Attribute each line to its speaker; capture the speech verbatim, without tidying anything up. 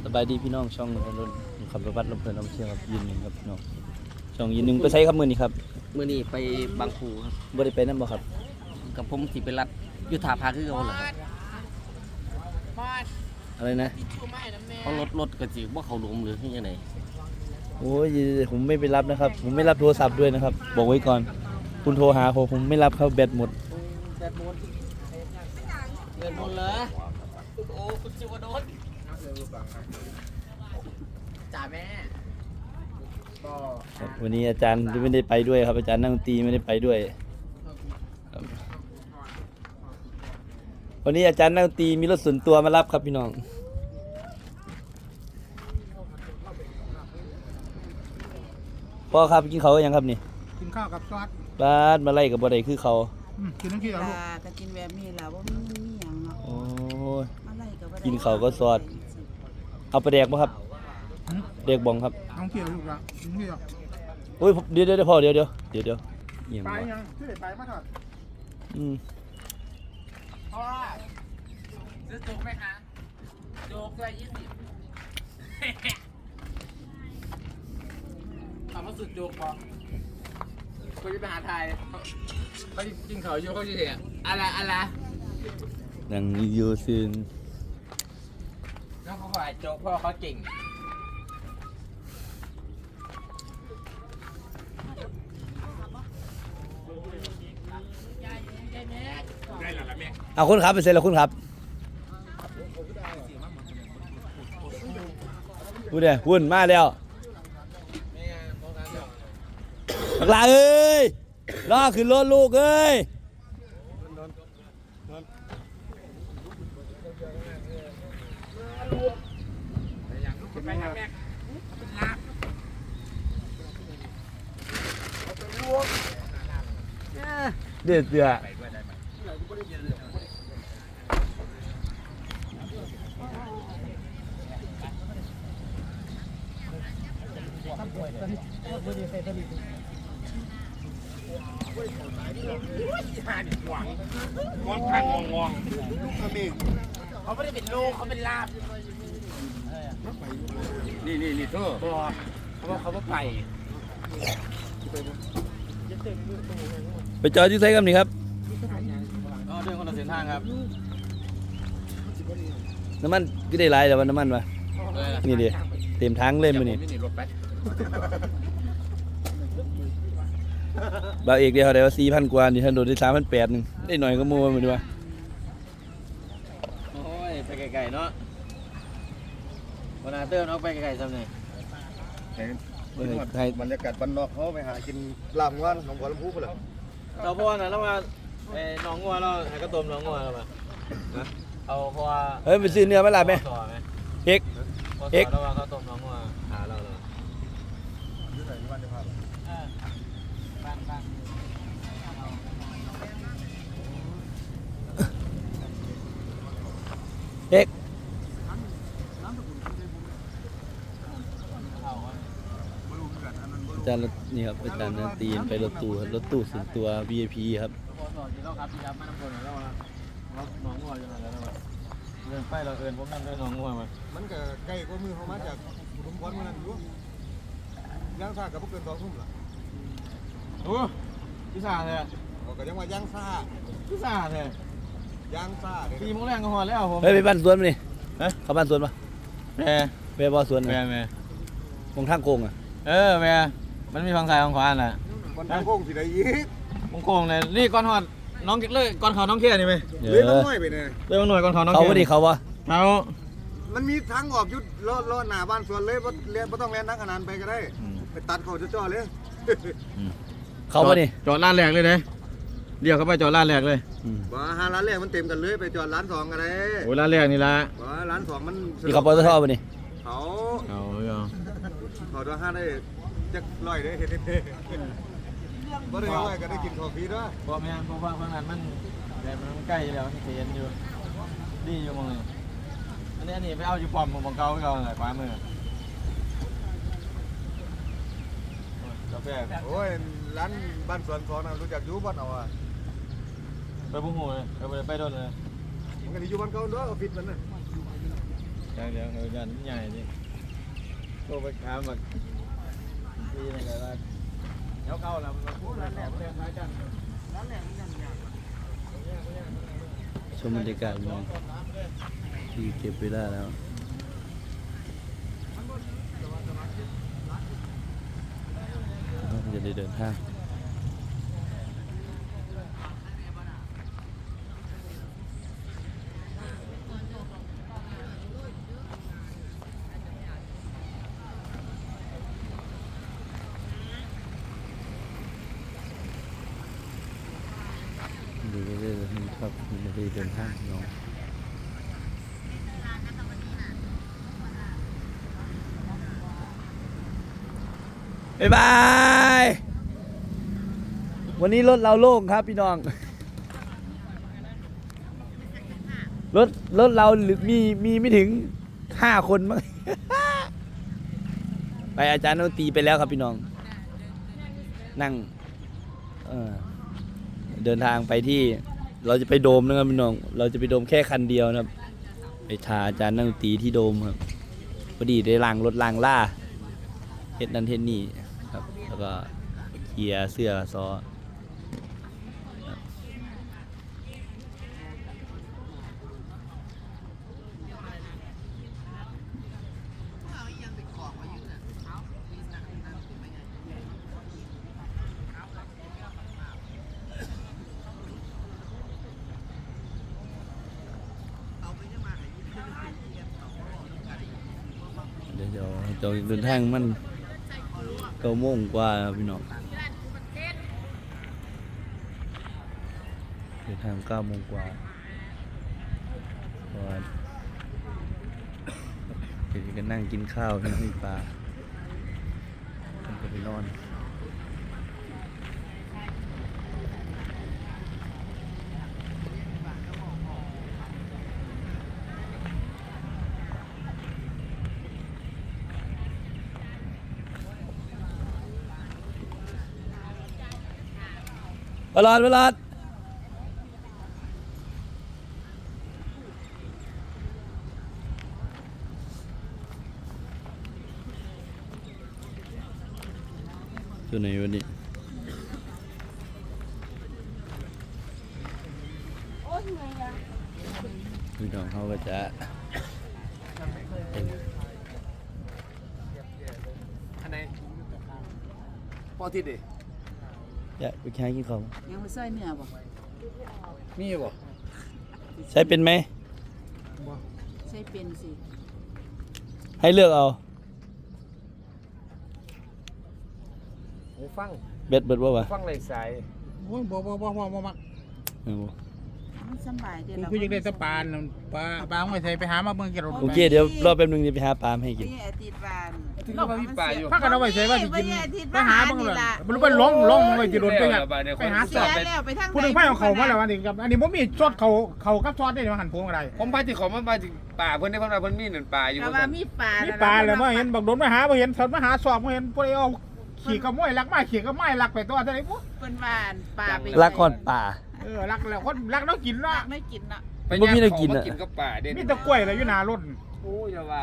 Speaker 1: บายดีพี่น้องช่องถนนขับรถบัสลำเพลินลำเชียงครับยืนหนึ่งครับพี่น้องช่องยืนหนึ่งไปใช้ครับมือนี้ครับ
Speaker 2: มื่อนี้ไปบางปูครับ
Speaker 1: บ่ได้ไปนั่นบ่ครับ
Speaker 2: กับผมสิไปรัดยุทธาภาคือเขาเหรอครับ
Speaker 1: อะไรนะ
Speaker 2: เขารถรถกระจิว่าเขาหลวมหรือที่ยังไง
Speaker 1: โอ้ยผมไม่ไปรับนะครับผมไม่รับโทรศัพท์ด้วยนะครับบอกไว้ก่อนคุณโทรหาผมผมไม่รับครับแบตหมด
Speaker 2: แบตหมดแบตหมดเหรอโอ้คุณจิวโดนจ่าแม่ก็
Speaker 1: วันนี้อาจารย์ไม่ได้ไปด้วยครับอาจารย์นั่งดนตรีไม่ได้ไปด้วยครับวันนี้อาจารย์นั่งดนตรีมีรถส่วนตัวมารับครับพี่น้องพ่อครับกินเขาวยังครับนี่
Speaker 3: กินข้าวกับซอส
Speaker 1: บ้านมาไล่กับบ่ได้คือเขา
Speaker 3: อืมกินน้ำขี้เอาลูก
Speaker 4: ปลาก็กินแบบนี้แหละว่ามันมีหยังเนาะ
Speaker 1: โอ้ย
Speaker 4: อะไรก็บ่ได้
Speaker 1: กินข้าวก็ซอส เอาไปแดกบ่ครับ
Speaker 3: หืม
Speaker 1: แดกบองครับ
Speaker 3: น้องขี้เอาลูกละกินน้ำขี้เอา
Speaker 1: โอ้ยผมเดี๋ยวเดี๋ยวพ่อเดี๋ยวเดี๋ยวเดี๋ยวเดี๋ยวเอียง
Speaker 3: ไป
Speaker 1: วะ
Speaker 3: ยังที่ไหนไปมาถอด
Speaker 1: อืม
Speaker 2: พ่อซื้อจุกไหมคะจุกเลยยี่สิบถามว่าสุดจุกป่ะเขาจะไปหาไทยเขาจริงเขาอยู่เขาจะเห็นอะไรอะไร
Speaker 1: นังอยู่ซึน
Speaker 2: น้องเขาขายโจ๊กเพราะเขาเก่งได้หรอละแม่
Speaker 1: เอาคุณครับไปเซ็นแล้วคุณครับพูดเดี๋ยววุ่นมาแล้วบักลาเอ้ยรอขึ้นรถลูกเอ้ยเดือดเดือด
Speaker 2: เขาไม่ได้เป็นลูกเขาเป็นลาบนี่นี่นี่เธอเขาบอกเขาบอกไป
Speaker 1: ไปจอดที่ไซค์ครับนี่ครับ
Speaker 2: อ๋อเดินคนละเส้นทางครับ
Speaker 1: น้ำมันก็ได้หลายแต่ว่าน้ำมันวะนี่ดิเต็มทั้งเล่มมือนี่
Speaker 2: นี่รถไป
Speaker 1: บ่าวเอกเดียวได้ว่าสี่พันกว่านี่ท่านโดนได้สามพันแปดหนึ่งได้หน่อยก็มัวมือดีว่า
Speaker 2: โอ้ยไปไกลๆเนาะวันอาเตอร์เนาะไปไกลๆทำไง
Speaker 1: ให้
Speaker 5: บรรยากาศบ้านนอกเขาไปหากินลาบว่านของบัวลำพูกันเลย
Speaker 2: เราพ่อนะแล้วมาไอ้น้องงัวเราให้กระต้มน้องงัวเรามาเอาเพราะว่า
Speaker 1: เฮ้ยไปซื้อเนื้อมาลาบไหม
Speaker 2: ต่อไหม
Speaker 1: เอกเอก
Speaker 2: เราว่าเขาต้มน้องงัวหาเราเลยบ้านบ้าน
Speaker 1: เอกอาจารย์นี่ครับอาจารย์นันตีนไปรถตู้ครับรถตู้ส่วนตัว วี ไอ พี ครับ
Speaker 2: พอสอนที่เราครับที่รับมาน้ำคนแล้วว่าน้องงัวอยู่ไหนแล้วนะเดินไปเราเอินผมนั่งด้วยน้องงัวมา
Speaker 5: มันก็ใกล้กว่ามือเขามาจากอุดมพรเมื่อนั้นอยู่ย่างซ่ากับพวกเกินสองทุ่มล่ะ
Speaker 2: โอ้พี่สาเลย
Speaker 5: เขาก็ยังว่าย่างซ่า
Speaker 2: พี่สาเลย
Speaker 5: ย่างซ่าเด้
Speaker 2: สี่โมงแรงก็พอแล้วผม
Speaker 1: เฮ้ยไปบ้านสวนมานี่เข้าบ้านสวนปะ
Speaker 2: แม่
Speaker 1: ไปบ่อสวน
Speaker 2: แม่
Speaker 1: นะ
Speaker 2: แม่
Speaker 1: มองทางโกงอ่ะ
Speaker 2: เออแม่มันมีฝั่งซ้ายฝั่งขวาน่ะ
Speaker 5: วันทางโค้งสิได้อีก
Speaker 2: มงโค้งเลยนี่ก้อนหอดน้องเลยก้อนเขาน้องเคียนี่ไหม
Speaker 1: เอ
Speaker 5: เลี้ยง
Speaker 1: อ
Speaker 5: น้อยไปเนี่ย
Speaker 2: เรื่องหน่วยก้อนเขาน้อง
Speaker 1: เขา
Speaker 2: เคีย
Speaker 1: บ่ดีเขาวะ
Speaker 2: เขา
Speaker 5: มันมีทางออกยุดลอดลอดหน้าบ้านสวนเลยบ่เลี้ยงบ่ต้องแล่นนักขนาดไปก็ได้ไปตัดเขาจ่อๆเลย
Speaker 1: เขาบ่นี่
Speaker 2: จอดร้านแรกเลยเด้เรียกเข้าไปจอดร้านแรกเลย
Speaker 1: อืม
Speaker 5: บ่หาร้านแรกมันเต็มกันเลยไปจอดร้านสองก็ได้
Speaker 2: โอ้ร้านแรกนี่ละ
Speaker 5: บ่ร้านสองมัน
Speaker 1: นี่เขาปตทบ่นี่
Speaker 5: เขา
Speaker 2: เอาเอา
Speaker 5: เขาตัวห้าได้จักร้อยได้เฮ็ดเด้บ่ได้ร้อยก็ได้กินข้าวฟรีด้วย
Speaker 2: เพราะแม่เพราะว่าฝั่งนั้นมันแต่มันใกล้แล้วมันเห็นอยู่ดีอยู่มองเลยอันนี้อันนี้ไปเอาอยู่ปอมมองเก่าไปก่อนเลยขวามือกาแฟ
Speaker 5: โอ้ยร้านบ้านสวนสองน่ะรู้จักอยู่บ้านเอาอ่ะ
Speaker 2: ไปบุ้งหูเลยไปไปโดนเลย
Speaker 5: มันก็สิอยู่บ้านเก่าเด้อออฟฟิศมันน่ะ
Speaker 2: จากเดี๋ยวเขายันใหญ่ดิโตไปขามแบบที่นั่นเลยว่าเดี๋ยวเข้าแล้วมันพูดแล้วแหลมเรื่องอะไรกันแล้วแหลมยังยัง
Speaker 1: ชมบรรยากาศเมืองที่เก็บเวลาแล้วเราจะได้เดินทางดูเรื่อยๆครับมันจะได้เดินทางน้องบ๊ายบาย วันนี้รถเราโล่งครับพี่น้อง รถรถเราหรือมีมีไม่ถึงห้าคนมั้ง ไปอาจารย์ดนตรีไปแล้วครับพี่น้อง นั่งเออเดินทางไปที่เราจะไปโดมนะครับพี่น้อง เราจะไปโดมแค่คันเดียวนะครับ ไปทาอาจารย์นั่งดนตรีที่โดมครับพอดีได้ล้างรถล้างล่าเฮ็ดนั่นเฮ็ดนี่ครับ แล้วก็เคลียร์เสื้อซอเดี๋ยวเดี๋ยวเดินทางมันเก้าโมงกว่าครับพี่น้องเดินทางเก้าโมงกว่าเพราะว่าเดี๋ยวจะนั่งกินข้าวนั่งกินปลาผมจะไปนอนเวลาเวลาตัวไหนวันนี้พี่น้องเขาก็จะเป็น
Speaker 2: อันไหนพอทิศดิ
Speaker 1: อยากไปแข่งกินข้าว
Speaker 4: ยังไม่ใส่เนื้อบ่
Speaker 2: มีบ่
Speaker 1: ใช้เป็นไหม
Speaker 4: ใส่เป็นสิ
Speaker 1: ให้เลือกเอา
Speaker 2: หูฟัง
Speaker 1: เบ็ดเบ็ดว่าวะ
Speaker 2: ฟังไหลสาย
Speaker 3: โอ้ยบ่บ่บ่บ่บ่มัก
Speaker 1: เอาบ่
Speaker 4: มันสบายเด้
Speaker 3: กู
Speaker 4: เรา
Speaker 3: คือยังได้แตะปานปลาปลาไม่ใส่ไปหามาเบิ่งกี่รถ
Speaker 1: โอเคเดี๋ยวรอแป๊บนึงจะไปหาปลามาให้กิน
Speaker 4: ไปอาทิตย์วาน
Speaker 2: ถึงก็มีป่าอยู่
Speaker 3: ถ้ากันเอาไว้ใส่ว่าสิกิน
Speaker 4: ไปอาทิตย์
Speaker 3: ไปหาเบิ่งเลย
Speaker 4: ล่ะ
Speaker 3: มันรู้ว่าล้มล้มไว้กี่รถไปครับไปหา
Speaker 4: เสี
Speaker 3: ส
Speaker 4: ย
Speaker 3: อบ
Speaker 4: แล้วไปทาง
Speaker 3: ผู้หนึงไผเอาเขามาแล้วอันนี้กับอันนี้บ่มีซอสเขาเขากับซอสได้มาหั่นพวงอะไร
Speaker 6: ผมไปที่เขามาไปที่ป่าเพิ่นได้เพิ่นว่าเพิ่นมีหนึ่งป่าอยู่
Speaker 4: แต่
Speaker 6: ว่า
Speaker 4: ว่า
Speaker 6: ซั่น
Speaker 4: มีปลา
Speaker 3: มี
Speaker 4: มี
Speaker 3: ปลาแล้วมาเห็นบักโดนมาหาบ่เห็นสดมาหาสอบบ่เห็นผู้ใดเอาขี่กระม้วยลักมาขี่กระไม้ลักไปตัวเท่าไหร่ปุ๊
Speaker 4: เพิ่นว่านปลาไป
Speaker 1: รักก่อนป่า
Speaker 3: เออลักแล้วคนลักแล้วกินเนาะ
Speaker 4: ไม่กินเนาะ
Speaker 6: ไป
Speaker 1: บ่มี
Speaker 6: ย่าง
Speaker 1: อะไร
Speaker 6: เขา
Speaker 1: กิน
Speaker 6: มา
Speaker 1: อะ
Speaker 6: กินกับป่าเด่น
Speaker 3: มีแตะกล้วยอะไรอยู่หน้ารถ
Speaker 6: โอ้ยอย่าว่า